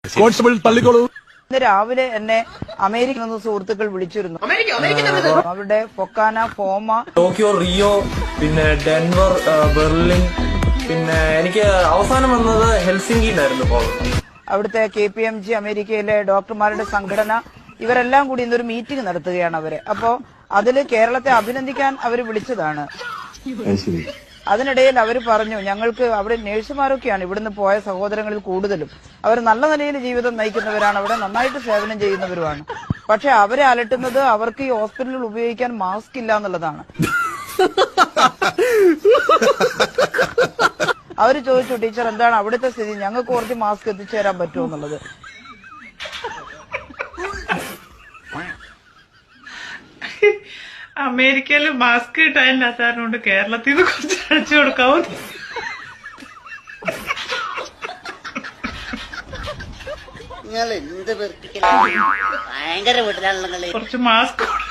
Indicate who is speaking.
Speaker 1: Constable തള്ളിക്കോളൂ.
Speaker 2: ഇന്ന് രാവിലെ എന്നെ അമേരിക്കയിൽ നിന്ന് സുഹൃത്തുക്കൾ വിളിച്ചിരുന്നു. അവരുടെ ഫൊക്കാന, ഫോമ,
Speaker 3: ടോക്കിയോ, റിയോ, പിന്നെ ഡെൻവർ, ബെർലിൻ, പിന്നെ എനിക്ക് അവസാനം വന്നത് ഹെൽസിംകിയിലായിരുന്നു പോകുന്നത്.
Speaker 2: അവിടുത്തെ KPMG അമേരിക്കയിലെ ഡോക്ടർമാരുടെ സംഘടന ഇവരെല്ലാം കൂടി ഇന്നൊരു മീറ്റിംഗ് നടത്തുകയാണ് അവര്. അപ്പോ അതില് കേരളത്തെ അഭിനന്ദിക്കാൻ അവർ വിളിച്ചതാണ്. അതിനിടയിൽ അവർ പറഞ്ഞു, ഞങ്ങൾക്ക് അവിടെ നഴ്സുമാരൊക്കെയാണ് ഇവിടുന്ന് പോയ സഹോദരങ്ങളിൽ കൂടുതലും. അവർ നല്ല നിലയിൽ ജീവിതം നയിക്കുന്നവരാണ്, അവിടെ നന്നായിട്ട് സേവനം ചെയ്യുന്നവരുമാണ്. പക്ഷെ അവരെ അലട്ടുന്നത് അവർക്ക് ഈ ഹോസ്പിറ്റലിൽ ഉപയോഗിക്കാൻ മാസ്ക് ഇല്ല എന്നുള്ളതാണ്. അവര് ചോദിച്ചു, ടീച്ചർ എന്താണ് അവിടുത്തെ സ്ഥിതി, ഞങ്ങൾക്ക് കുറച്ച് മാസ്ക് എത്തിച്ചു തരാൻ പറ്റുമോ എന്നുള്ളത്.
Speaker 4: അമേരിക്കയിൽ മാസ്ക് കിട്ടാനില്ലാത്തതുകൊണ്ട് കേരളത്തിൽ നിന്ന് കുറച്ച് അടിച്ചു കൊടുക്കാവോ?
Speaker 5: നിങ്ങൾ എന്ത് ഭയങ്കര വീട്ടിലാണല്ലോ
Speaker 4: കുറച്ച് മാസ്ക്